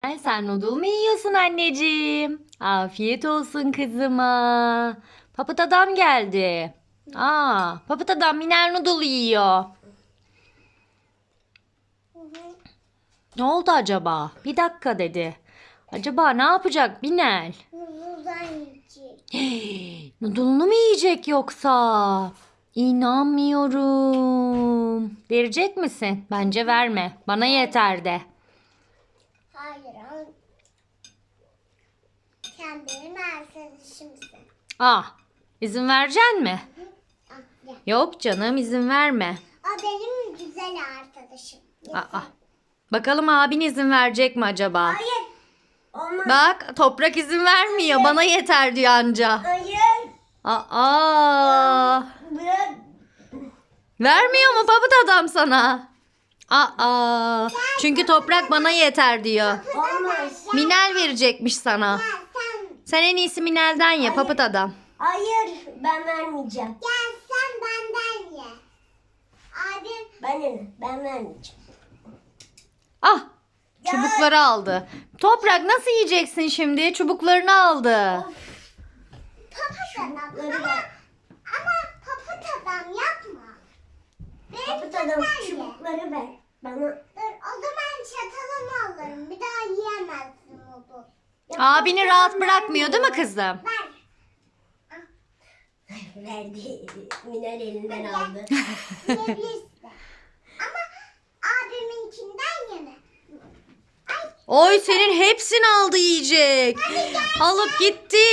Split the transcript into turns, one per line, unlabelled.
Ay sen noodle mu yiyorsun anneciğim? Afiyet olsun kızıma. Papıt adam geldi. Papıt adam Miner noodle yiyor. Ne oldu acaba? Bir dakika dedi. Acaba ne yapacak Minel?
Noodle'dan yiyecek.
Noodle'unu mu yiyecek yoksa? İnanmıyorum. Verecek misin? Bence verme. Bana yeter de.
Hayır ama sen benim arkadaşımsın.
İzin vereceksin mi?
Ah, gel.
Yok canım, izin verme.
O benim güzel arkadaşım.
Bakalım abin izin verecek mi acaba?
Hayır. Olmaz.
Bak, Toprak izin vermiyor. Bana yeter diyor anca.
Hayır. Bırak.
Vermiyor mu Papıt adam sana? Çünkü Toprak bana yeter diyor.
Olmaz.
Minel verecekmiş sana. Sen en iyisi Minel'den ye Papıt adam.
Hayır, ben vermeyeceğim. Gel sen benden ye. Abim. Ben vermeyeceğim.
Çubukları aldı. Toprak nasıl yiyeceksin şimdi? Çubuklarını aldı.
Papaz adam. Ama papaz adam yapma. Papaz adam çubukları ver. Bana. Dur o zaman çatalımı alırım. Bir daha yiyemezsin onu.
Abini rahat bırakmıyor değil mi kızım?
Ver.
Verdi. Minel elinden aldı.
Yiyebilirsin. Ama abiminkinden yeme.
Oy senin hepsini aldı yiyecek. Alıp gitti.